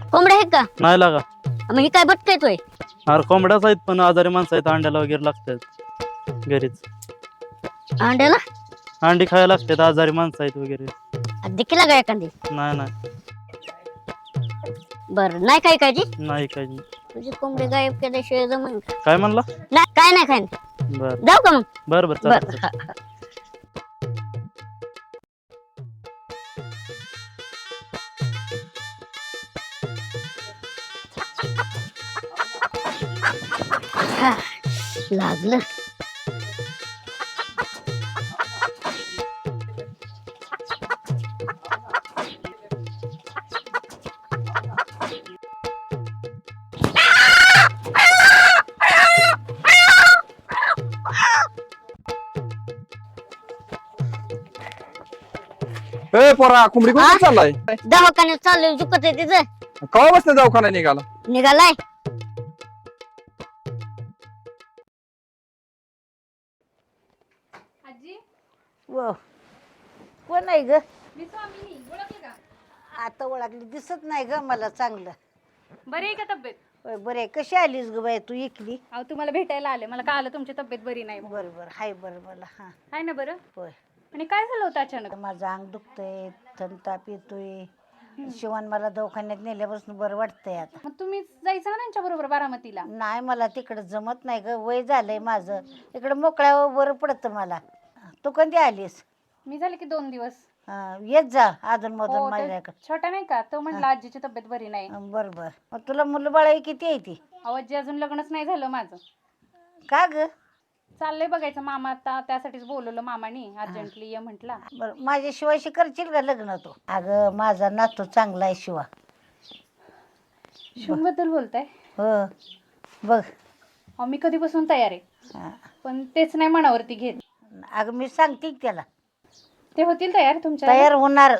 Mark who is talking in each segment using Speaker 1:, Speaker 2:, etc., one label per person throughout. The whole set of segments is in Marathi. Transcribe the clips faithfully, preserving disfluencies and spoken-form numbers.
Speaker 1: कोंबड्या आहेत का?
Speaker 2: नाही लागा.
Speaker 1: मग ही काय भटका येतोय?
Speaker 2: अरे कोंबड्याच आहेत पण आजारी माणसं आहेत, अंड्याला वगैरे लागतात घरीच.
Speaker 1: अंड्याला
Speaker 2: अंडी खायला लागतात, आजारी माणसं आहेत वगैरे.
Speaker 1: देखील का एखादी?
Speaker 2: नाही नाही
Speaker 1: बर नाही काय काळजी?
Speaker 2: नाही काही.
Speaker 1: तुझी कोंबडी गायब केल्याशिवाय जमन का?
Speaker 2: काय म्हणला?
Speaker 1: नाही काय नाही काय नाही.
Speaker 2: बर
Speaker 1: जाऊ का मग?
Speaker 2: बर बर
Speaker 1: बर
Speaker 2: चालतंय.
Speaker 1: हा, हा. हा, लागलं.
Speaker 3: ए पोरा कोंबडी
Speaker 1: हा?
Speaker 3: कुठे चाललाय?
Speaker 1: दवाखान्यात चाललोय, दुखत आहे तिचं.
Speaker 3: कवा बसला दवाखाना निघाला?
Speaker 1: निघालाय.
Speaker 4: आजी
Speaker 5: व कोण आहे ग?
Speaker 4: मी स्वामिनी ओळखलं का?
Speaker 5: आता ओळखली दिसत नाही ग मला चांगलं.
Speaker 4: बरी आहे का तब्येत?
Speaker 5: होय बरे कशी आलीस ग बाई तू इकली?
Speaker 4: अहो तुम्हाला भेटायला आले, मला कळालं तुमची तब्येत बरी नाही म्हणून.
Speaker 5: बरं बरं हाय बरं मला हा
Speaker 4: आहे ना बरं?
Speaker 5: होय.
Speaker 4: आणि काय झालं होतं अचानक?
Speaker 5: माझं अंग दुखतंय, थंडताप येतोय. शिवान मला दवाखान्यात नेल्यापासून बरं वाटतंय आता.
Speaker 4: मग तुम्ही जायचं ना त्यांच्या बरोबर बारामतीला?
Speaker 5: नाही मला तिकडं जमत नाही ग, वय झालंय माझं. इकडं मोकळ्यावर बरं पडतं मला. तू कधी आलीस?
Speaker 4: मी झाले की दोन दिवस.
Speaker 5: हा, येत जा अजून मधून
Speaker 4: हो, ते
Speaker 5: माझ्याकडे.
Speaker 4: छोटा नाही का तो म्हटला आजीची तब्येत बरी नाही.
Speaker 5: बरं बरं मग तुला मुलं बाळा किती आहे ती?
Speaker 4: अहो आजी अजून लग्नच नाही झालं माझं.
Speaker 5: का ग?
Speaker 4: चाललंय बघायचं, मामा आता त्यासाठीच बोलवलं मामानी अर्जंटली ये म्हटला.
Speaker 5: बरं माझ्या शिवाशी करशील का लग्न तू? अगं माझा नातू चांगला आहे शिवा.
Speaker 4: शिवून बद्दल बोलताय?
Speaker 5: हो बघ.
Speaker 4: अहो मी कधीपासून तयार आहे,
Speaker 5: हा.
Speaker 4: पण तेच नाही मनावरती घेत.
Speaker 5: अगं मी सांगते की त्याला
Speaker 4: ते होतील तयार तुमच्या?
Speaker 5: तयार होणार.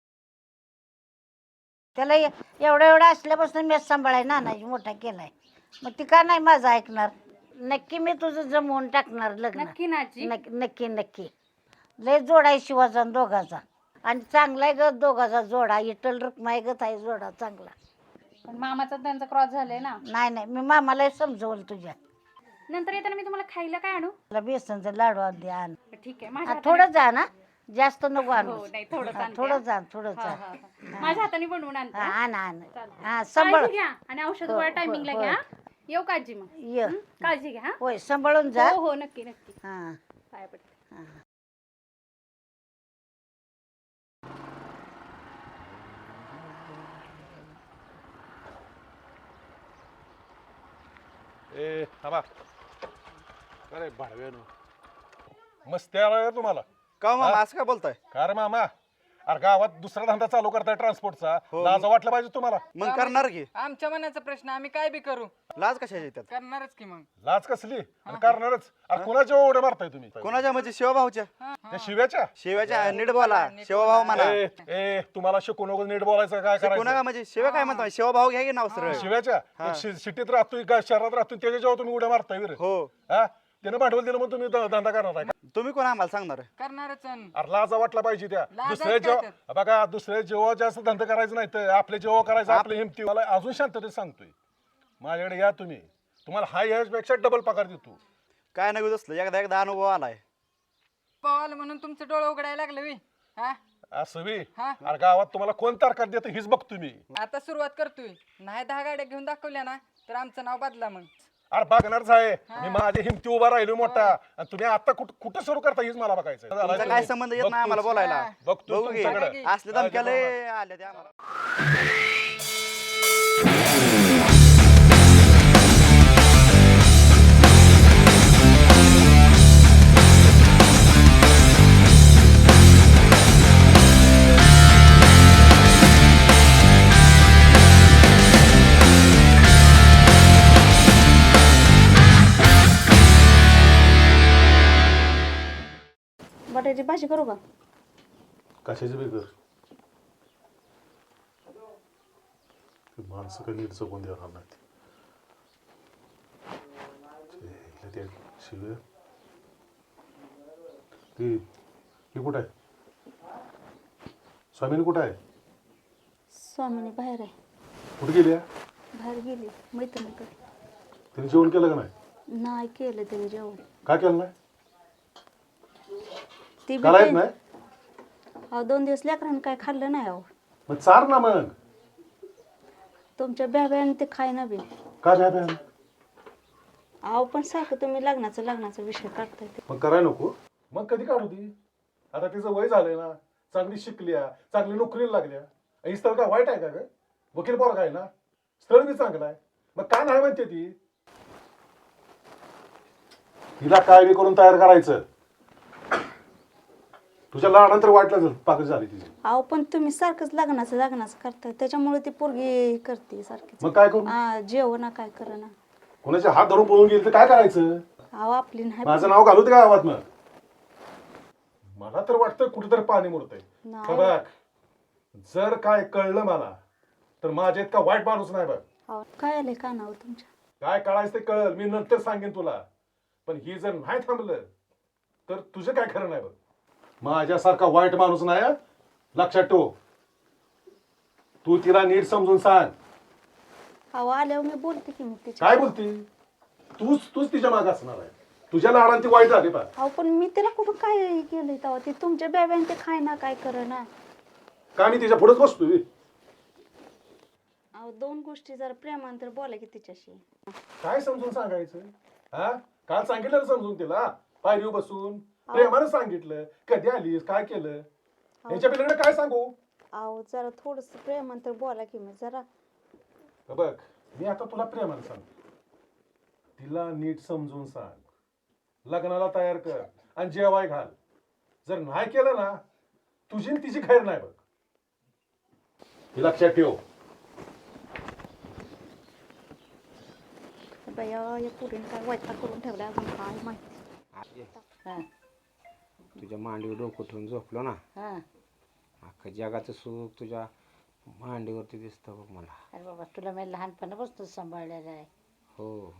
Speaker 5: त्याला ए- एवढा एवढा असल्यापासून मी सांभाळाय नानाजी मोठा केलाय, मग ती का नाही माझं ऐकणार? नक्की मी तुझं जमवून टाकणार लग्न.
Speaker 4: नक्की ना आजी?
Speaker 5: नक्की नक्की नक्की. लय जोडा आहे शिवाचा आणि दोघाचा, आणि चांगला आहे ग दोघाचा जोडा. इटल रुक्माई गत आहे जोडा चांगला.
Speaker 4: पण मामाचा त्यांचा क्रॉस झालाय ना.
Speaker 5: नाही नाही मी मामाला समजवल तुझ्या.
Speaker 4: नंतर येताना मी तुम्हाला खायला काय आणू?
Speaker 5: तुला बेसनचा लाडू आण दे आण.
Speaker 4: ठीक आहे
Speaker 5: हा,
Speaker 4: माझ्या
Speaker 5: थोडं जा ना, जास्त नको
Speaker 4: हाताने-
Speaker 5: आणू.
Speaker 4: हो, नाही, थोडंच
Speaker 5: हा,
Speaker 4: आणते,
Speaker 5: थोडं
Speaker 4: हा.
Speaker 5: जा थोडं
Speaker 4: हा,
Speaker 5: जा.
Speaker 4: हा, हा. माझ्या हाताने बनवून आणते,
Speaker 5: हा,
Speaker 4: हा?
Speaker 5: आण आण.
Speaker 4: चालेल.
Speaker 5: हा सांभाळ.
Speaker 4: काळजी घ्या आणि औषध
Speaker 5: हो,
Speaker 4: गोळ्या
Speaker 5: हो,
Speaker 4: टायमिंगला
Speaker 5: हो.
Speaker 4: घ्या. येऊ का आजी मग?
Speaker 5: ये
Speaker 4: हं? काळजी घ्या. हा?
Speaker 5: होय सांभाळून जा.
Speaker 4: हो हो नक्की नक्की.
Speaker 5: हा
Speaker 4: पाया पडते.
Speaker 5: हा.
Speaker 6: ए थांबा. अरे भाडव्यानो मस्ती आला तुम्हाला?
Speaker 3: का मामा
Speaker 6: हा?
Speaker 3: असं काय बोलताय?
Speaker 6: का रे मामा? अरे गावात दुसरा धंदा चालू करताय ट्रान्सपोर्टचा, लाज वाटलं पाहिजे तुम्हाला.
Speaker 3: मग करणार की?
Speaker 7: आमच्या मनाचा प्रश्न, आम्ही काय बी करू,
Speaker 3: लाज कशाची येतात?
Speaker 7: करणारच की मग.
Speaker 6: लाज कसली आणि करणारच. अरे कोणाच्या ओढे मारताय तुम्ही?
Speaker 3: कोणाच्या म्हणजे शिवभाऊच्या?
Speaker 6: त्या शिव्याच्या?
Speaker 3: शिवाच्या नीट बोला, शिवभाऊ म्हणा.
Speaker 6: ए ए, तुम्हाला शिकू नको, नीट बोलायचं. काय
Speaker 3: कोणा
Speaker 6: करायचं?
Speaker 3: म्हणजे शिव काय म्हणतो? शिवभाऊ घ्या की नाव सरळ.
Speaker 6: शिव्याच्या? एक शि- सिटीत राहतोय का शहरात राहतोय त्याच्या जेव्हा तुम्ही उड्या मारताय वीर?
Speaker 3: हो.
Speaker 6: हा, त्यानं भांडवल दिलं मग तुम्ही ध- धंदा करणार आहे का?
Speaker 3: तुम्ही कोण आम्हाला सांगणार?
Speaker 7: करणारच अन.
Speaker 6: अरे लाजा वाटला पाहिजे त्या.
Speaker 7: लाज
Speaker 6: दुसऱ्या
Speaker 7: आहे
Speaker 6: जेव्हा
Speaker 7: त्याच्यात.
Speaker 6: बघा, दुसऱ्या जेव्हा जास्त धंदा करायचं नाही तर आपले जेव्हा करायचं आपले हिमती. मला अजून शांततेत सांगतोय, माझ्याकडे या तुम्ही, तुम्हाला हा यापेक्षा डबल पगार देतो.
Speaker 3: काय नाही असलं, एकदा एकदा अनुभव आलाय.
Speaker 7: पवाल म्हणून तुमचं डोळं उघडायला लागलं वी. हा
Speaker 6: असं बी?
Speaker 7: हा.
Speaker 6: अरे गावात तुम्हाला कोण तारखात देतं हीच बघतो मी.
Speaker 7: आता सुरुवात करतोय, नाही दहा गाड्या घेऊन दाखवल्या ना तर आमचं नाव बदला मग.
Speaker 6: अरे बघणारच आहे मी, माझी हिमती उभा राहिलो मोठा, आणि तुम्ही आता कुठं कुठं सुरू करता हीच मला बघायचं.
Speaker 3: तुमचा काय संबंध येत नाही आम्हाला बोलायला.
Speaker 6: बघतो
Speaker 3: बघू की.
Speaker 6: तुमच्याकडे.
Speaker 3: असले धमक्याले आले ते आम्हाला.
Speaker 4: बटाट्याची भाजी करू का?
Speaker 8: कशाची बेकर माणसं काही नीट जगून देणार नाहीत. ते शिव ती ही कुठं आहे? स्वामीनी कुठं आहे?
Speaker 4: स्वामीनी बाहेर आहे.
Speaker 8: कुठे गेली
Speaker 9: बाहेर गेली मैत्रिणीकडे.
Speaker 8: तिने जेवण केलं का नाही?
Speaker 9: नाही केलं त्याने जेवण.
Speaker 8: काय केलं नाही?
Speaker 9: ती बी
Speaker 8: करायच
Speaker 9: ते-
Speaker 8: नाही?
Speaker 9: अहो दोन दिवस लेकरांनी काय खाल्लं नाही अहो.
Speaker 8: मग चार ना मग.
Speaker 9: तुमच्या ब्याब्याने ते खाय ना बी.
Speaker 8: काय नाही बॅन?
Speaker 9: अहो पण सारखं तुम्ही लग्नाचं लग्नाचा विषय काढताय ते.
Speaker 8: मग करायला नको. मग कधी काढू ती? आता तिचं वय झालंय ना, चांगली शिकल्या, चांगली नोकरीला लागल्या. ही स्थळ काय वाईट आहे का ग? वकील पोरगा आहे ना, स्थळ बी चांगलं आहे. मग का नाही म्हणते ती? तिला काय बी करून तयार करायचं. तुझ्या लहानंतर वाटलं पाकच झाली तिची.
Speaker 9: अहो पण तुम्ही सारखंच लग्नाचं लग्नाचं करताय त्याच्यामुळे ती पोरगी करते सारखी.
Speaker 8: मग काय करू?
Speaker 9: हा जेवण काय करना.
Speaker 8: कोणाचे हात धरून पळून गेली तर काय करायचं?
Speaker 9: अहो आपली नाही.
Speaker 8: माझं नाव घालू दे का गावात? मग मला तर वाटतं कुठेतरी पाणी मुरतंय.
Speaker 9: नाही.
Speaker 8: बघ, जर काय कळलं मला तर माझ्या इतका वाईट माणूस नाही बघ.
Speaker 9: अहो, काय आलंय कानावर तुमच्या?
Speaker 8: काय कळायचं ते कळल, मी नंतर सांगेन तुला. पण ही जर नाही थांबलं तर तुझं काय खरं नाही बघ. माझ्यासारखा वाईट माणूस नाही हं? लक्षात ठेव. तू तिला नीट समजून सांग.
Speaker 9: अहो आल्यावर मी बोलते की मी तिच्या.
Speaker 8: काय बोलती? तूच तूच तिच्या मागे असणार आहे. तुझ्या लाडांची वाईट झाली बा.
Speaker 9: अहो पण मी तिला कुठं काय केलंय तेव्हा? ते तुमच्या ब्याब्याने ते खाय ना काय करना.
Speaker 8: का मी तिच्या पुढेच बसतोय?
Speaker 9: अहो दोन गोष्टी जरा प्रेमांतर बोला की तिच्याशी.
Speaker 8: काय समजून सांगायचं? हा काल सांगितलं ना समजून तिला, पायरीवर बसून प्रेमानं सांगितलं. कधी आलीस, काय केलं, यांच्या पिल्लाकडे काय सांगू?
Speaker 9: अहो जरा थोडस प्रेमांतर बोला की मी जरा.
Speaker 8: बघ, मी आता तुला प्रेमानं सांगतो. तिला नीट समजून सांग, लग्नाला तयार कर आणि जेवाय घाल. जर नाही केलं ना, तुझी आणि तिची खैर नाही बघ. हे लक्षात ठेव.
Speaker 9: बया या पुरीने काय वैताग करून ठेवला अजून काय माहिती.
Speaker 5: हा
Speaker 10: तुझ्या मांडीवर डोकं ठेवून झोपलो ना,
Speaker 5: हा.
Speaker 10: अख्खं जगाचं सुख तुझ्या मांडीवरती दिसतं बघ मला.
Speaker 5: अरे बाबा तुला मी लहानपणापासून सांभाळलेलं आहे.
Speaker 10: हो,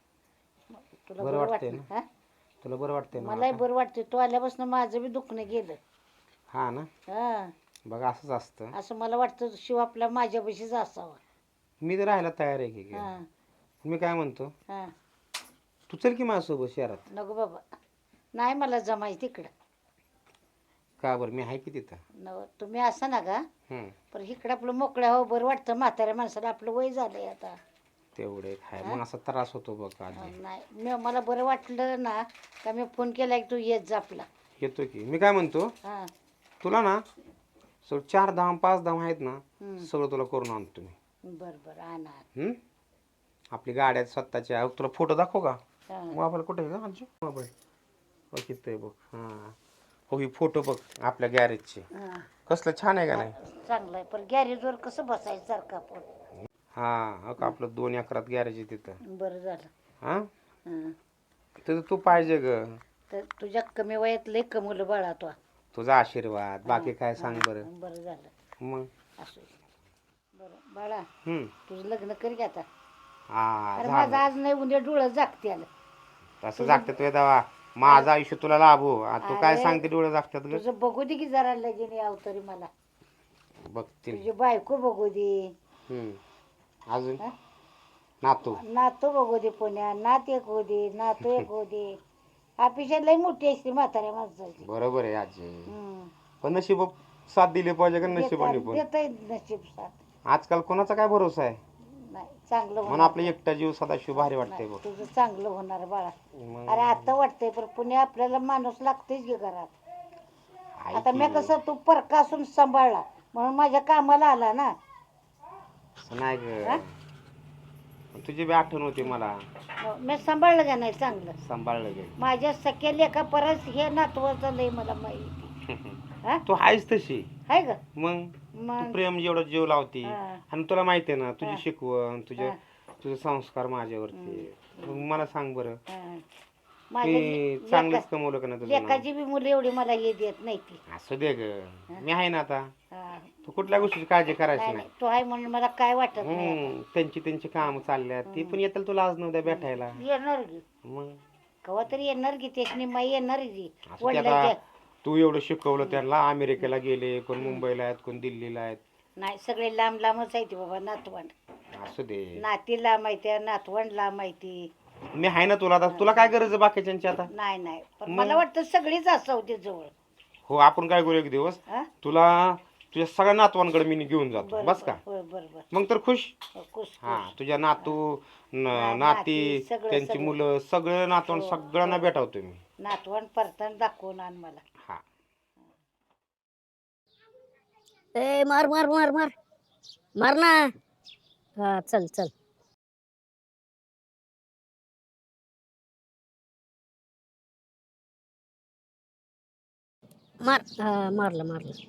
Speaker 5: तुला
Speaker 10: बरं
Speaker 5: बरं
Speaker 10: वाटतंय
Speaker 5: वाटतं
Speaker 10: ना?
Speaker 5: हा?
Speaker 10: तुला बरं वाटतंय ना
Speaker 5: मलाही
Speaker 10: आता?
Speaker 5: बरं वाटते. तू आल्यापासून माझं बी दुखणं गेलं.
Speaker 10: हा ना,
Speaker 5: हा
Speaker 10: बघ असंच असतं.
Speaker 5: असं मला वाटतं शिव आपला माझ्यापाशीच असावा.
Speaker 10: मी तर राहायला तयार आहे की.
Speaker 5: हा
Speaker 10: मी काय म्हणतो,
Speaker 5: हा.
Speaker 10: तू चल की माझ्यासोबत शहरात.
Speaker 5: नको बाबा, नाही मला जमायचं तिकडं.
Speaker 10: का बरं, मी आहे की तिथं.
Speaker 5: नव तुम्ही असा ना का,
Speaker 10: हम्म,
Speaker 5: पण इकडं आपलं मोकळ्या हो बरं वाटतं. म्हाताऱ्या माणसाला आपलं वय झालंय आता.
Speaker 10: तेवढे खाय मग असा त्रास होतो बघ आधी.
Speaker 5: नाही मी मला बरं वाटलं ना का मी फोन केला की तू येत जा आपला.
Speaker 10: येतो की. मी काय म्हणतो,
Speaker 5: हा
Speaker 10: तुला ना सगळं चार धाम पाच धाम आहेत ना,
Speaker 5: हम्म.
Speaker 10: सगळं तुला करून आणतो मी.
Speaker 5: बरं बरं आणा.
Speaker 10: हम्म, आपली गाड्या स्वतःच्या. तुला फोटो दाखव का?
Speaker 5: हा.
Speaker 10: मोबाईल कुठे आहे का आमची? मोबाईल हो किती बघ. हां हो, ही फोटो बघ आपल्या गॅरेजचे.
Speaker 5: हा.
Speaker 10: कसलं छान आहे का नाही?
Speaker 5: चांगलं आहे, पण गॅरेजवर कसं बसायचं सारखं आपण.
Speaker 10: हां हो का, आपलं दोन एकरात गॅरेज आहे तिथं.
Speaker 5: बरं झालं.
Speaker 10: हां,
Speaker 5: हा.
Speaker 10: तिथं तू पाहिजे ग.
Speaker 5: तर तुझ्या कमी वयात लय कमवलं बाळा तो.
Speaker 10: तुझा आशीर्वाद. बाकी काय सांग बरं.
Speaker 5: बरं झालं
Speaker 10: मग
Speaker 5: असं. बरं बाळा,
Speaker 10: हम्म,
Speaker 5: तुझं लग्न कर की आता.
Speaker 10: हा
Speaker 5: अरे माझं
Speaker 10: झालं.
Speaker 5: आज नाही उद्या डोळं जागते आलं.
Speaker 10: तसं जागतं तुझ्या दवा. माझं आयुष्य तुला लाभो. आ, तू काय
Speaker 5: अरे,
Speaker 10: सांगते डोळे जागतात ग?
Speaker 5: तुझं बघू दे की जरा लगीन याव तरी मला.
Speaker 10: बघतील.
Speaker 5: तुझी बायको बघू दे.
Speaker 10: हम्म, अजून
Speaker 5: हा?
Speaker 10: नातू.
Speaker 5: नातू बघू दे पुण्या. नात एक होऊ दे, नातू एक होऊ दे. अपेक्षा लय मोठी असते म्हाताऱ्या माणसाची.
Speaker 10: बरोबर आहे आजी.
Speaker 5: हम्म.
Speaker 10: पण नशीब साथ दिली पाहिजे का नशिबाने पण.
Speaker 5: देता नशीब साथ.
Speaker 10: आजकाल कोणाचा काय भरोसा आहे?
Speaker 5: नाही चांगलं
Speaker 10: म्हणून
Speaker 5: होणार.
Speaker 10: आपलं एकटा जीव सदाशिव भारी वाटतंय
Speaker 5: नाही,
Speaker 10: बघ.
Speaker 5: तुझं चांगलं होणार बाळा.
Speaker 10: मग
Speaker 5: अरे आता वाटतंय पण पुण्या आपल्याला माणूस लागतेच की घरात.
Speaker 10: आहे
Speaker 5: आता मी
Speaker 10: की.
Speaker 5: कसं तू परका असून सांभाळला म्हणून माझ्या कामाला आला ना.
Speaker 10: असं नाही
Speaker 5: हा?
Speaker 10: ग, तुझी बी आठवण होती मला.
Speaker 5: मग मी सांभाळलं का नाही चांगलं.
Speaker 10: सांभाळलं गे.
Speaker 5: माझ्या सख्या लेखा परस हे नातवाचं लय मला माहिती. हा
Speaker 10: तू आहेस तशी.
Speaker 5: आहे का
Speaker 10: मग तू
Speaker 5: मग.
Speaker 10: प्रेम जेवढं जीव लावती.
Speaker 5: हा.
Speaker 10: आणि तुला माहिती आहे ना तुझी
Speaker 5: हा.
Speaker 10: शिकवण, तुझे
Speaker 5: हा.
Speaker 10: तुझे संस्कार माझ्यावरती. मग मला सांग बरं,
Speaker 5: हा.
Speaker 10: मी
Speaker 5: माझ्या
Speaker 10: चांगलंच
Speaker 5: लेका-
Speaker 10: कमवलं का नाही तुझं नाव?
Speaker 5: लेकाची बी मुलं एवढी मला हे देत नाही ती.
Speaker 10: असू दे ग, मी आहे ना आता.
Speaker 5: हा.
Speaker 10: तू कुठल्या गोष्टीची काळजी करायची
Speaker 5: नाही,
Speaker 10: नाही.
Speaker 5: नाही, तू आहे म्हणून मला काय वाटत नाही आता.
Speaker 10: हम्म, त्यांची त्यांची काम चालल्यात. ती पण येतील तुला आज नव्हत्या भेटायला.
Speaker 5: येणार की
Speaker 10: मग
Speaker 5: कवा तरी येणार की त्याची माई येणार की
Speaker 10: असं ते
Speaker 5: वडिलांच्या.
Speaker 10: आता तू एवढं शिकवलं त्यांना. अमेरिकेला गेले, कोण मुंबईला आहेत, कोण दिल्लीला आहेत.
Speaker 5: नाही सगळे लांब लांबच आहे ती बाबा नातवंड.
Speaker 10: असू दे,
Speaker 5: नाती लांब आहे त्या नातवंड लांब आहे ती.
Speaker 10: मी आहे ना तुला. आता तुला काय गरज आहे बाकीच्यांची आता?
Speaker 5: नाही नाही पण मला वाटतं सगळीच असावं ते जवळ.
Speaker 10: हो, आपण काय करू एक दिवस,
Speaker 5: हा?
Speaker 10: तुला तुझ्या सगळ्या नातवांकडे मी घेऊन जातो.
Speaker 5: बरं,
Speaker 10: बस का?
Speaker 5: बरं, बरं, बरं.
Speaker 10: मग तर खुश.
Speaker 5: हो, खुश,
Speaker 10: हा,
Speaker 5: खुश.
Speaker 10: तुझ्या नातू न-
Speaker 5: हा,
Speaker 10: नाती,
Speaker 5: नाती, सगळं,
Speaker 10: त्यांची
Speaker 5: सगळं.
Speaker 10: मुलं, सगळं नातवंड
Speaker 5: हो,
Speaker 10: सगळ्यांना
Speaker 5: हो.
Speaker 10: भेटावतो मी.
Speaker 5: नातवंड परतान दाखवून आण मला.
Speaker 10: हा,
Speaker 1: ए मार मार मार मार मार ना. हा चल चल. मार. हा मारलं मारलं.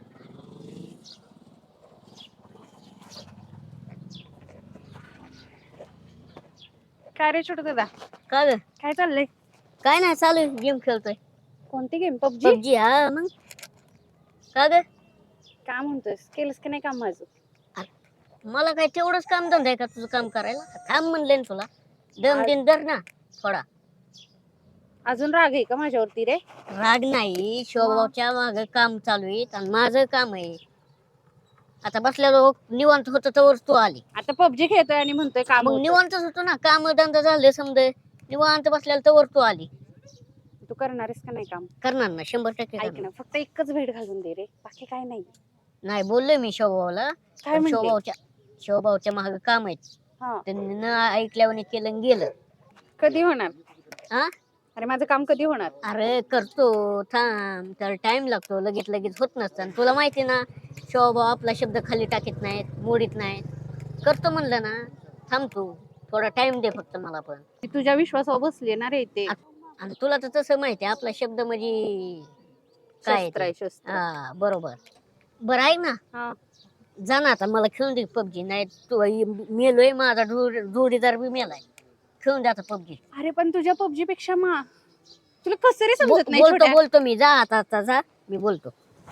Speaker 4: काय रे छोटू दादा,
Speaker 1: का ग?
Speaker 4: काय चाललंय?
Speaker 1: काय नाही चालू आहे गेम खेळतोय.
Speaker 4: कोणती गेम? पबजी?
Speaker 1: पबजी. हा मग का ग?
Speaker 4: काय म्हणतोयस, केलंस की नाही काम माझं?
Speaker 1: मला काय तेवढंच काम धंदा आहे का तुझं काम करायला? थांब म्हणले ना तुला. दम दिन धर ना थोडा.
Speaker 4: अजून राग आहे का माझ्यावरती रे?
Speaker 1: राग नाही, शोभावच्या माग काम चालू आहे आणि माझं काम आहे. आता बसलेलो निवांत होतो तर तू आली.
Speaker 4: आता पबजी खेळतोय आणि म्हणतोय काम
Speaker 1: मग
Speaker 4: होतं.
Speaker 1: निवांतच होतो ना, काम धंदा झाले समजे. निवांत बसलेलं तर तू आली.
Speaker 4: तू करणार आहेस का नाही काम?
Speaker 1: करणार ना, शंभर टक्के
Speaker 4: ऐक
Speaker 1: करणार.
Speaker 4: ना, फक्त एकच भेट घालून दे रे, बाकी काय नाही.
Speaker 1: नाही बोललोय मी शोभावला.
Speaker 4: काय म्हणते?
Speaker 1: शोभावच्या शोभावच्या माग काम आहेत.
Speaker 4: हा,
Speaker 1: त्यांनी न ऐकल्यावर केलं आणि गेलं.
Speaker 4: कधी होणार?
Speaker 1: हा
Speaker 4: अरे माझं काम कधी होणार?
Speaker 1: अरे करतो, थांब. तर टाइम लागतो, लगेच लगेच होत नसतं. आणि तुला माहिती ना, शोभाव आपला शब्द खाली टाकीत नाहीत, मोडीत नाहीत. करतो म्हणलं ना, थांब तू थोडा टाइम दे फक्त मला पण.
Speaker 4: ती तुझ्या विश्वासावर बसली ना रे ते.
Speaker 1: आणि तुला तर तसं माहिती आहे, आपला शब्द म्हणजे काय
Speaker 4: शस्त्र
Speaker 1: ते.
Speaker 4: आहे, शस्त्र.
Speaker 1: हा बरोबर. बरं आहे ना,
Speaker 4: हा,
Speaker 1: जा ना आता, मला खेळून दे पबजी. नाही तू मेलोय, माझा जोड- जोडीदार बी मेलाय. खेळून दे आता पबजी.
Speaker 4: अरे पण तुझ्या पबजी पेक्षा मा तुला कसं रे समजत नाही
Speaker 1: बोलतो
Speaker 4: छोट्या?
Speaker 1: बोलतो मी, जा आता आता जा, मी बोलतो.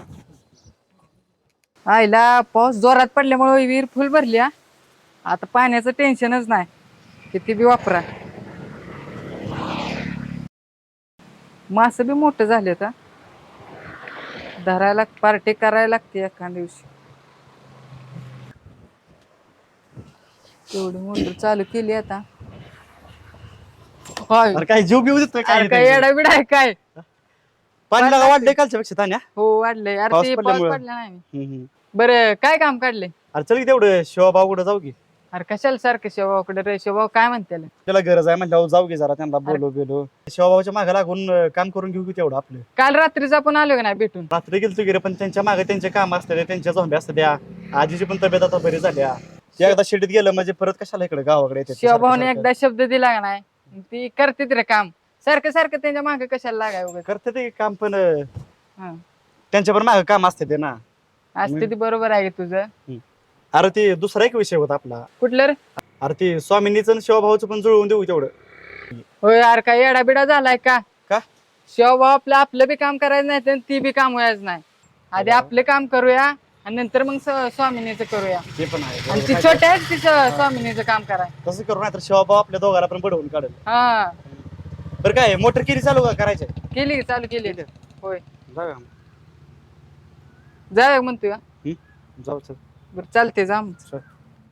Speaker 7: आईला पाऊस जोरात पडल्यामुळे विहीर फुल भरली हा. आता पाण्याचं टेन्शनच नाही, किती बी वापरा. मासं बी मोठं झाले तर धरायला पार्टी करायला लागते एका दिवशी. एवढी मोटर चालू केली आता. काय
Speaker 2: अरे काय जीव बिव देतोय काय
Speaker 7: अरे काय येडा बिडा आहे काय?
Speaker 2: पाणी लागा वाढलंय कालच्या पेक्षा तान्या.
Speaker 7: हो वाढलंय. अरे
Speaker 2: पाऊस
Speaker 7: ते पाऊस
Speaker 2: पडल्यामुळं.
Speaker 7: पडला नाही.
Speaker 2: हम्म, हम्म.
Speaker 7: बरं काय काम काढले?
Speaker 2: अरे चल की तेवढं शिवाभाऊ कुठं जाऊ की.
Speaker 7: अरे कशाला सारखं शेवाकडे रे? शेवा काय म्हणते?
Speaker 2: त्याला गरज आहे म्हणल्यावर जाऊ की जरा, त्यांना बोलो गेलो. शिवाभाऊच्या मागे लागून अं, काम करून घेऊ की तेवढं आपलं.
Speaker 7: काल रात्रीच आपण आलो का नाही भेटून?
Speaker 2: रात्री गेलतो की रे, पण त्यांच्या मागे त्यांचे काम असतात, त्यांच्या झोंब्या असतात त्या. आजीची पण तब्येत आता बरी झाल्या. ते एकदा शेतीत गेलं म्हणजे परत कशाला इकडे गावाकडे येतात ते
Speaker 7: शिवभाऊने
Speaker 2: सारखं-
Speaker 7: एकदा शब्द दिला का नाही, ती करते रे काम. सारखं सारखं त्यांच्या मागे कशाला लागाय वगैरे?
Speaker 2: करते ते काम, पण अं,
Speaker 7: हा.
Speaker 2: त्यांच्या पण मागे काम असते ते ना.
Speaker 7: असते ती बरोबर आहे तुझं.
Speaker 2: अरे ते दुसरा एक विषय होता आपला.
Speaker 7: कुठलं रे?
Speaker 2: अरे ते स्वामींनीच आणि शिवभाऊचं पण जुळवून देऊ तेवढं.
Speaker 7: होय यार, काय येडाबिडा झालाय का?
Speaker 2: का?
Speaker 7: शिवभाऊ आपलं आपलं बी काम करायचं नाही तर ती बी काम व्हायचं नाही. आधी आपलं काम करूया आणि नंतर मग स- स्वामिनीचं करूया.
Speaker 2: ते पण आहे.
Speaker 7: आणि ती छोट्या आहेत तिचं स्वामिनीचं काम कराय.
Speaker 2: तसं करू नाही तर शिवभाऊ आपल्या दोघाला पण बडवून काढेल.
Speaker 7: हा
Speaker 2: बरं काय मोटर केली चालू का करायचे?
Speaker 7: केली चालू केली. होय
Speaker 2: जाऊ
Speaker 7: जाय म्हणतोय का?
Speaker 2: जाऊ चल.
Speaker 7: बरं चालते जा मग.
Speaker 2: चल.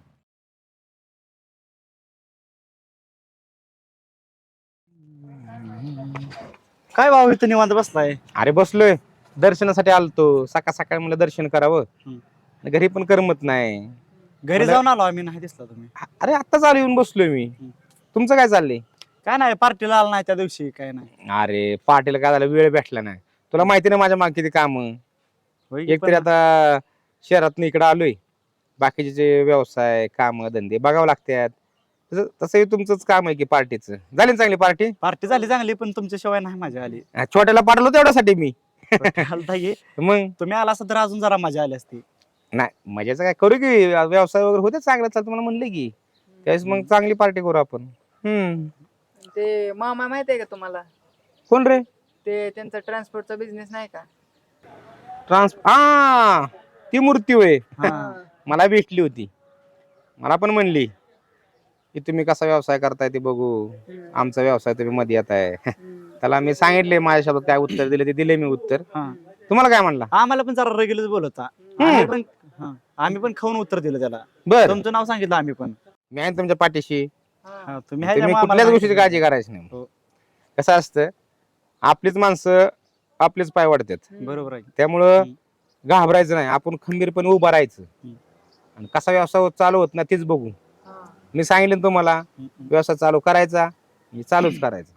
Speaker 2: काय भाऊ इथं निवांत बसलाय?
Speaker 10: अरे बसलोय, दर्शनासाठी आलतो. सकाळ सकाळ मला दर्शन करावं,
Speaker 2: हम्म.
Speaker 10: घरी पण करमत नाही.
Speaker 2: घरी
Speaker 10: मला-
Speaker 2: जाऊन आलो आम्ही, नाही दिसला तुम्ही.
Speaker 10: अरे आत्ताच आलो, येऊन बसलोय मी. तुमचं काय चाललंय?
Speaker 2: काय नाही, पार्टीला आला नाही त्या दिवशी, काय नाही.
Speaker 10: अरे पार्टीला काय झालं, वेळ भेटला नाही. तुला माहिती नाही माझ्या मागे किती काम.
Speaker 2: होय की,
Speaker 10: एकतरी
Speaker 2: पण
Speaker 10: आता शहरातून इकडे आलोय, बाकीचे जे व्यवसाय काम धंदे बघावं लागतात. तसं तसंही तुमचंच काम आहे की पार्टीचं. झाली ना चांगली पार्टी?
Speaker 2: पार्टी झाली चांगली, पण तुमच्या शिवाय नाही मजा आली.
Speaker 10: छोट्याला पाठवलं तेवढ्यासाठी मी.
Speaker 2: आलता ये.
Speaker 10: मग
Speaker 2: तुम्ही आला असता तर अजून जरा मजा आली असती.
Speaker 10: नाही मजाचं काय करू की, व्यवसाय वगैरे होते चांगलं चालतं मला म्हणलं की, त्यावेळेस मग चांगली पार्टी करू आपण. हम्म.
Speaker 7: ते मामा माहित आहे का तुम्हाला?
Speaker 10: कोण रे?
Speaker 7: ते त्यांचा ट्रान्सपोर्टचा बिझनेस नाही का?
Speaker 10: ट्रान्स हा ती मूर्ती होय,
Speaker 2: हा.
Speaker 10: मला भेटली होती. मला पण म्हणली की तुम्ही कसा व्यवसाय करताय ते बघू, आमचा व्यवसाय तुम्ही मध्ये येत आहे. त्याला मी सांगितले माझ्या शब्दात काय उत्तर दिले ते दिले मी उत्तर.
Speaker 2: हा.
Speaker 10: तुम्हाला काय म्हणला?
Speaker 2: आम्हाला पण जरा रेग्युलर बोलवता. आम्ही पण हा. आम्ही पण खाऊन उत्तर दिलं त्याला.
Speaker 10: बर
Speaker 2: तुमचं नाव सांगितलं आम्ही पण.
Speaker 10: मी आहे तुमच्या पाठीशी.
Speaker 2: हा, तुम्ही आहे
Speaker 10: तुम्ही
Speaker 2: त्यामुळे
Speaker 10: कुठल्याच
Speaker 2: आम्हाला
Speaker 10: गोष्टीची काळजी
Speaker 2: सांगितलं.
Speaker 10: करायची नाही.
Speaker 2: हो.
Speaker 10: कसं असतं आपलीच माणसं आपलेच पाय वाढतात.
Speaker 2: बरोबर आहे.
Speaker 10: त्यामुळं
Speaker 2: हम्म.
Speaker 10: घाबरायचं नाही, आपण खंबीरपणे उभं राहायचं.
Speaker 2: हम्म.
Speaker 10: आणि कसा व्यवसाय चालू होत ना तेच बघू. मी सांगितलं ना तुम्हाला
Speaker 2: हम्म, हम्म.
Speaker 10: व्यवसाय चालू करायचा म्हणजे चालूच करायचा.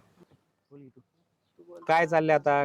Speaker 10: काय चाललंय आता?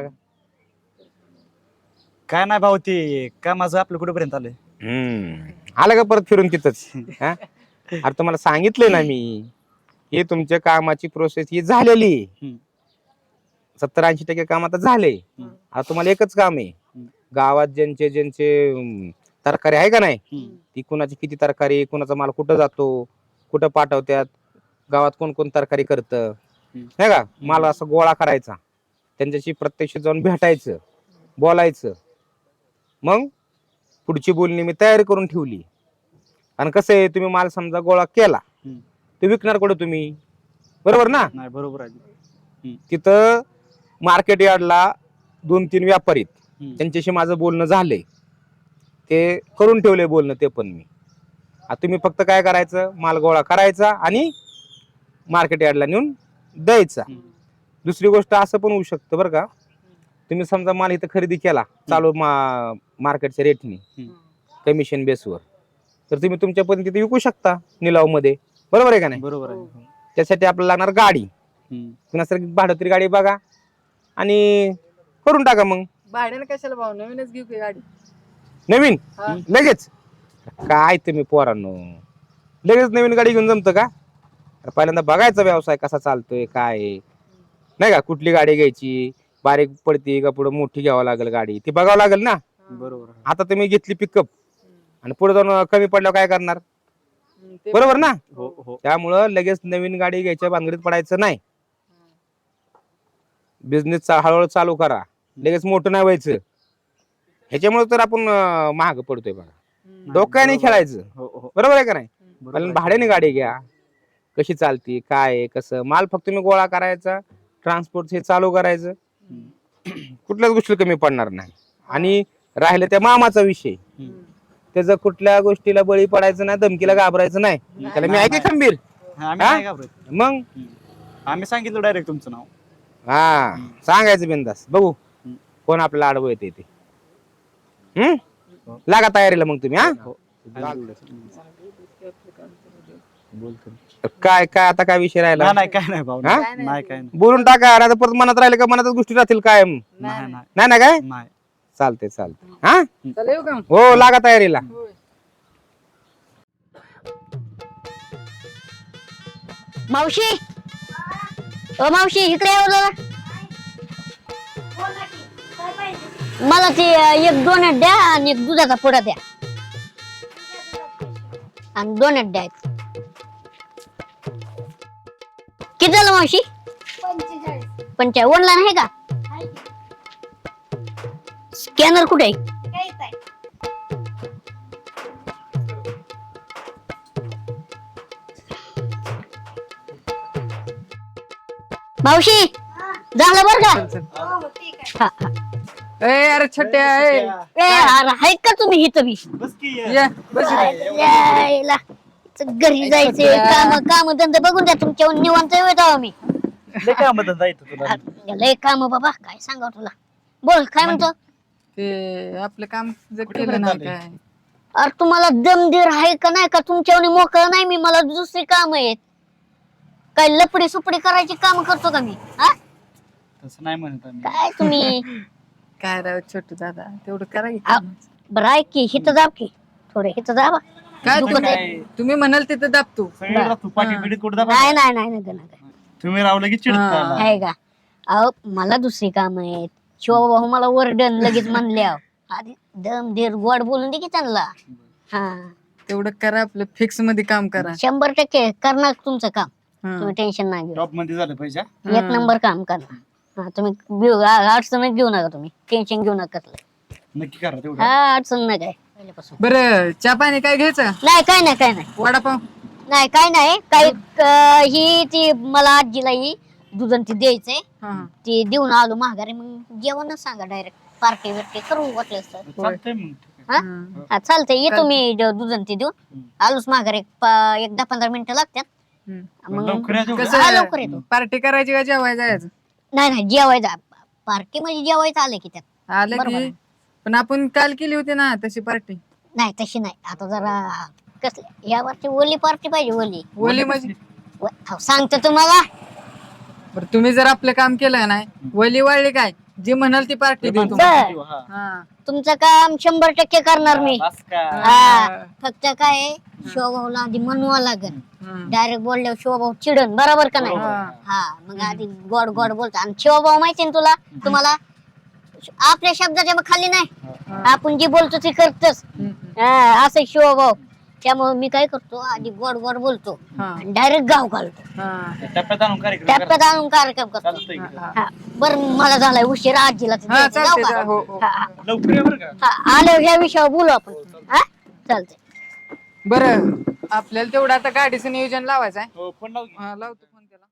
Speaker 2: काय नाही भाऊ, ते काय माझं आपलं कुठेपर्यंत आलंय.
Speaker 10: हम्म आलं का परत फिरून तिथंच? हा? अरे तुम्हाला सांगितलंय ना मी, हे तुमच्या कामाची प्रोसेस ही झालेली.
Speaker 2: हम्म.
Speaker 10: सत्तर ऐंशी टक्के काम आता झाले.
Speaker 2: हम्म.
Speaker 10: आता तुम्हाला एकच काम आहे,
Speaker 2: हम्म.
Speaker 10: गावात ज्यांचे ज्यांचे अं, तरकारी आहे का नाही,
Speaker 2: हम्म.
Speaker 10: ती कुणाची किती तरकारी, कुणाचा माल कुठं जातो, कुठं पाठवतात, गावात कोण कोण तरकारी करतं, नाही का, माल असं गोळा करायचा, त्यांच्याशी प्रत्यक्ष जाऊन भेटायचं, बोलायचं. मग पुढची बोलणी मी तयारी करून ठेवली. आणि कसं आहे, तुम्ही माल समजा गोळा केला,
Speaker 2: हम्म.
Speaker 10: ते विकणार कुठं तुम्ही? बरोबर ना?
Speaker 2: नाही बरोबर आहे.
Speaker 10: तिथं मार्केट यार्डला दोन तीन व्यापारी आहेत.
Speaker 2: हम्म.
Speaker 10: त्यांच्याशी माझं बोलणं झालंय, ते करून ठेवलंय बोलणं ते पण मी. आता तुम्ही फक्त काय करायचं, माल गोळा करायचा आणि मार्केट यार्डला नेऊन द्यायचा.
Speaker 2: हम्म.
Speaker 10: दुसरी गोष्ट असं पण होऊ शकतं बरं का, तुम्ही समजा माल इथं खरेदी केला चालू मा मार्केटच्या रेटने,
Speaker 2: हम्म.
Speaker 10: कमिशन बेसवर, तर तुम्ही तुमच्या पद्धतीने विकू शकता निलाव मध्ये. बरोबर आहे का नाही?
Speaker 2: बरोबर आहे.
Speaker 10: त्यासाठी आपल्याला लागणार गाडी.
Speaker 2: हम्म.
Speaker 10: नैसर्गिक भाडं तरी गाडी बघा आणि करून टाका. मग
Speaker 7: भाड्याने कशाला भाऊ, नवीनच घेऊ की गाडी.
Speaker 10: नवीन
Speaker 7: हा.
Speaker 10: लगेच काय तुम्ही पोरांनो, लगेच नवीन गाडी घेऊन जमतं का? अरे पहिल्यांदा बघायचा व्यवसाय कसा चालतोय, काय आहे, नाही का, कुठली गाडी घ्यायची, बारीक पडती का पुढे मोठी घ्यावं लागेल गाडी, ती बघावं लागेल ना.
Speaker 2: बरोबर आहे.
Speaker 10: आता तुम्ही घेतली पिकअप आणि पुढे जाऊन कमी पडल्यावर काय करणार?
Speaker 7: हम्म, ते
Speaker 10: बरोबर ना?
Speaker 2: हो हो.
Speaker 10: त्यामुळं लगेच नवीन गाडी घ्यायच्या भानगडीत पडायचं नाही. बिझनेस हळूहळू चालू करा, लगेच मोठं नाही व्हायचं. ह्याच्यामुळे तर आपण अं, महाग पडतोय बघा.
Speaker 7: हम्म.
Speaker 10: डोक्याने खेळायचं.
Speaker 2: हो हो.
Speaker 10: बरोबर आहे का नाही?
Speaker 2: बरोबर
Speaker 10: कारण
Speaker 2: आहे.
Speaker 10: भाड्याने गाडी घ्या, कशी चालती, काय आहे, कसं, माल फक्त तुम्ही गोळा करायचा, ट्रान्सपोर्ट हे चालू करायचं,
Speaker 2: हम्म.
Speaker 10: कुठल्याच गोष्टी कमी पडणार नाही. आणि राहिलं त्या मामाचा विषय,
Speaker 2: हम्म.
Speaker 10: त्याचं कुठल्या गोष्टीला बळी पडायचं नाही, धमकीला घाबरायचं नाही. त्याला मी
Speaker 2: नाही,
Speaker 10: ऐके खंबीर.
Speaker 2: हा, आम्ही
Speaker 10: हा?
Speaker 2: नाही घाबरत.
Speaker 10: मग
Speaker 2: आम्ही सांगितलं डायरेक्ट तुमचं नाव.
Speaker 10: हा सांगायचं बिंदास, बघू
Speaker 2: हम्म.
Speaker 10: कोण आपल्याला आडवं येते ते. हम्म लागा तयारीला मग तुम्ही. हा
Speaker 2: हो. बोलतो.
Speaker 10: काय काय आता काय विषय राहिला?
Speaker 2: नाही नाही काय नाही भाऊ.
Speaker 10: हा?
Speaker 2: नाही नाही, काय नाही.
Speaker 10: बोलून टाका, नाही तर परत मनात राहिले का मनातच गोष्टी राहतील कायम.
Speaker 2: नाही नाही
Speaker 10: नाही ना काय?
Speaker 2: नाही.
Speaker 10: चालते चालते. हा
Speaker 7: चला येऊ का?
Speaker 10: हो लागा तयारीला.
Speaker 7: होय.
Speaker 1: मावशी, ओ मावशी, इकडे यावं जरा. मला ते अं, एक दोन द्या आणि एक दुधाचा पुडा द्या आणि दोन द्या. किती झालं मावशी? पंचा ऑनलाईन आहे का? स्कॅनर कुठे आहे? मावशी झालं बर का? हा, हा.
Speaker 7: ए अरे छोट्या ए.
Speaker 1: ए, अरे आहेत का तुम्ही इथं बी?
Speaker 2: बस की ये.
Speaker 7: ये, बस इथे.
Speaker 1: यायला. घरी जायचे काम काम धंदे बघून द्या तुमच्या निवांत येतो आम्ही.
Speaker 2: लय काय मदत जायचं तुला.
Speaker 1: लय काम बाबा, काय सांगा तुला. बोल काय म्हणतो?
Speaker 7: ते आपलं काम जर
Speaker 2: कुठे
Speaker 7: केलं
Speaker 2: पर्यंत
Speaker 7: नाही
Speaker 2: आले?
Speaker 7: काय,
Speaker 1: अरे तुम्हाला दमदीर आहे का नाही का? तुमच्यावर मोकळं नाही मी, मला दुसरी काम आहेत. काय लपडी सुपडी करायची काम करतो का मी? हा
Speaker 2: तसं नाही म्हणत आम्ही.
Speaker 1: काय तुम्ही?
Speaker 7: काय राव छोटू दादा, तेवढं करा की.
Speaker 1: आ, बरं ऐक की, हिथं जाब की थोडे, हिथं जाबा.
Speaker 7: काय
Speaker 1: दुखत
Speaker 7: तुम्ही
Speaker 1: आहे.
Speaker 7: तुम्ही म्हणाल तिथं दाबतो.
Speaker 2: सगळीकडे राहतो, पाठी पिढीत कुठं दाबा.
Speaker 1: नाही नाही नाही नाही नाही.
Speaker 2: तुम्ही रावलं की चिडता.
Speaker 7: हा.
Speaker 1: आहे का? अहो मला दुसरी काम आहेत. शिवभाऊ मला वरडन लगेच म्हणल्या. आधी दम धीर गोड बोलून दे की त्यांना. हा
Speaker 7: तेवढं करा, आपलं फिक्स मध्ये काम करा.
Speaker 1: शंभर टक्के करणार तुमचं काम.
Speaker 7: हा.
Speaker 1: तुम्ही टेन्शन नाही घेऊ.
Speaker 2: टॉप मध्ये झालं पाहिजे.
Speaker 1: एक नंबर काम करणार. हा तुम्ही घेऊ- आ- अडचण घेऊ नका, तुम्ही टेन्शन घेऊ नका कसलं.
Speaker 2: नक्की करा तेवढं.
Speaker 1: हा अडचण नाही काय पहिल्यापासून.
Speaker 7: बरं चहा पाणी काय घ्यायचं?
Speaker 1: नाही काय नाही काय नाही
Speaker 7: वडापाव?
Speaker 1: नाही काय नाही काही क- ही ती मला आजीला ही दुधन ती द्यायचंय.
Speaker 7: हा, हा.
Speaker 1: ती देऊन आलो माघारी, मग जेवणच सांगा डायरेक्ट. पार्टी बिर्टी करू वाटलं तर.
Speaker 2: चालतंय मग.
Speaker 1: हा हा, चालतंय येतो मी द- दुधन ती देऊन आलोच माघार एक पा- एक दहा पंधरा मिनिटं लागतात मग हा, लवकर येतो
Speaker 7: पार्टी करायची का जेवायला जायचं
Speaker 1: नाही नाही जेवायचं पार्टी म्हणजे जेवायचं आलं की त्यात
Speaker 7: आलं
Speaker 1: बरोबर
Speaker 7: की
Speaker 1: आहे.
Speaker 7: पण आपण काल केली होती ना तशी पार्टी
Speaker 1: नाही तशी नाही आता जरा कसं या वर्षी ओली पार्टी पाहिजे ओली
Speaker 7: ओली म्हणजे
Speaker 1: व- अहो, सांगतो तुम्हाला
Speaker 7: बरं तुम्ही जर आपलं काम केलं नाही वली वाळली काय जी म्हणाल ती पार्टी देऊ तुम्हाला.
Speaker 1: बर
Speaker 7: हा.
Speaker 1: तुमचं काम शंभर टक्के करणार मी हा फक्त काय आहे, शिवभाऊला आधी म्हणवा लागेल
Speaker 7: हम्म.
Speaker 1: डायरेक्ट बोलल्यावर शिवभाऊ चिडन बरोबर का नाही
Speaker 7: हा.
Speaker 1: हा मग आधी गोड गोड बोलतो आणि शिवभाऊ माहिती ना तुला तुम्हाला आपल्या शब्दाच्या मग खाली नाही आपण जे बोलतो ते करतच हा, असं शिवभाऊ त्यामुळे मी काय करतो आधी गोड गोड बोलतो
Speaker 7: हा.
Speaker 1: डायरेक्ट गाव घालतो
Speaker 7: हा.
Speaker 2: टप्प्यात आणून कार्यक्रम
Speaker 1: टप्प्यात आणून कार्यक्रम करतो हा, बरं मला झालाय उशीर आजीला ते
Speaker 7: हा
Speaker 1: द्यायचं, जाऊ
Speaker 7: चालते
Speaker 1: का?
Speaker 7: हो हो.
Speaker 1: हा, हा.
Speaker 2: लवकर ये बरं का
Speaker 1: हा, आल्यावर ह्या विषयावर बोलू आपण हा चालतंय
Speaker 7: बरं आपल्याला तेवढं आता गाडीचं नियोजन लावायचं आहे
Speaker 2: हो फोन लाव की.
Speaker 7: हा, लावतो फोन त्याला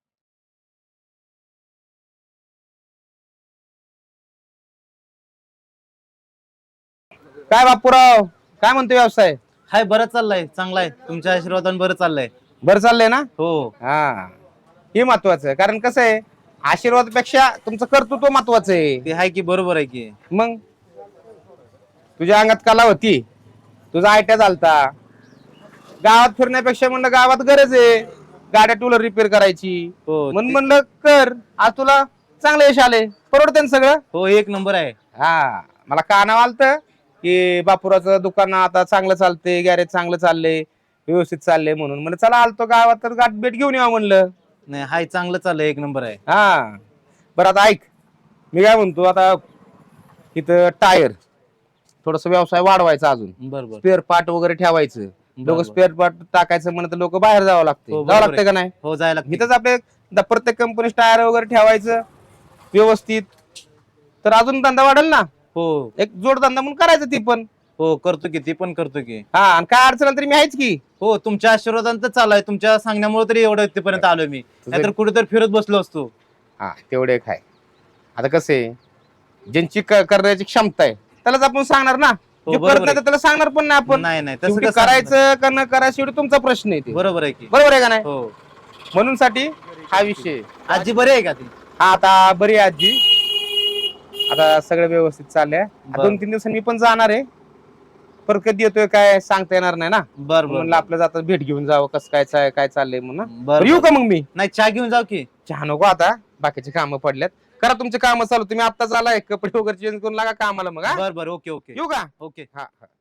Speaker 10: काय बापूराव काय म्हणतो व्यवसाय
Speaker 3: हाय बरं चाललंय चांगला आहे तुमच्या आशीर्वादाने बरं चाललंय
Speaker 10: बरं चाललंय ना
Speaker 3: हो
Speaker 10: हा हे महत्वाचं आहे कारण कसं आहे आशीर्वादापेक्षा तुमचं कर्तृत्व महत्वाचं आहे
Speaker 3: ते आहे की बरोबर आहे की
Speaker 10: मग तुझ्या अंगात कला होती तुझा आयट्या झालता गावात फिरण्यापेक्षा म्हणलं गावात गरज आहे गाड्या टू व्हीलर रिपेअर करायची
Speaker 3: हो
Speaker 10: म्हणून
Speaker 3: ते-
Speaker 10: म्हणलं कर आज तुला चांगलं यश आले परवडते ना सगळं
Speaker 3: हो एक नंबर आहे
Speaker 10: हा मला कानावर आलतं की बापुराचं दुकान आता चांगलं चालतंय गॅरेज चांगलं चाललंय व्यवस्थित चाललंय म्हणून म्हणलं चला आलतो गावात तर गाठ भेट घेऊन यावं म्हणलं
Speaker 3: नाही हाय चांगलं चाललंय एक नंबर आहे
Speaker 10: हा बरं आता ऐक मी काय म्हणतो आता इथं टायर थोडस व्यवसाय वाढवायचा अजून
Speaker 3: बरोबर
Speaker 10: स्पेअर पार्ट वगैरे ठेवायचं लोक
Speaker 3: बरोबर.
Speaker 10: स्पेअर पार्ट टाकायचं म्हणत लोक बाहेर जावं लागते
Speaker 3: हो,
Speaker 10: जावं
Speaker 3: बरोबर
Speaker 10: लागतं का नाही
Speaker 3: हो जायला लागतं.
Speaker 10: इथंच आपले द- प्रत्येक कंपनी टायर वगैरे ठेवायचं व्यवस्थित तर अजून धंदा वाढेल ना
Speaker 3: हो
Speaker 10: एक जोडधंदा म्हणून करायचं ती पण
Speaker 3: हो करतो की ती पण करतो की
Speaker 10: हा आणि काय अडचण आली तरी मी आहेच की
Speaker 3: हो तुमच्या आशीर्वादाने तर चालू आहे तुमच्या सांगण्यामुळे तरी एवढं इथपर्यंत आलोय मी नाहीतर कुठेतरी फिरत बसलो असतो
Speaker 10: हा तेवढे एक आहे आता कसं आहे ज्यांची क- करण्याची क्षमता आहे त्यालाच आपण सांगणार ना
Speaker 3: हो,
Speaker 10: जे
Speaker 3: बरोबर
Speaker 10: करत नाही
Speaker 3: आहे.
Speaker 10: तर त्याला सांगणार पण नाही आपण
Speaker 3: नाही नाही तसं
Speaker 10: शेवटी
Speaker 3: कसं
Speaker 10: करायचं का न करायचं शेवटी तुमचा प्रश्न आहे ते.
Speaker 3: बरोबर आहे की
Speaker 10: बरोबर आहे का नाही
Speaker 3: हो
Speaker 10: म्हणून साठी हा विषय आहे.
Speaker 3: आजी बरी आहे का ती
Speaker 10: हा आता बरी आहे आजी आता सगळं व्यवस्थित चाललंय
Speaker 3: बरं.
Speaker 10: दोन तीन दिवसांनी मी पण जाणार आहे पर कधी येतोय काय सांगता येणार नाही ना
Speaker 3: बर
Speaker 10: म्हणलं
Speaker 3: बर
Speaker 10: आपलं जाता भेट घेऊन जावं कसं काय चा- काय चाललंय म्हणून ना.
Speaker 3: बर
Speaker 10: बरं, येऊ का मग मी
Speaker 3: नाही चहा घेऊन जाऊ की
Speaker 10: चहा नको आता बाकीचे कामं पडल्यात करा तुमचे कामं चालू तुम्ही आत्ताच आलाय कपडे वगैरे चेंज करून लागा कामाला मग हा?
Speaker 3: बर बर ओके ओके
Speaker 10: येऊ का
Speaker 3: ओके
Speaker 10: हा हा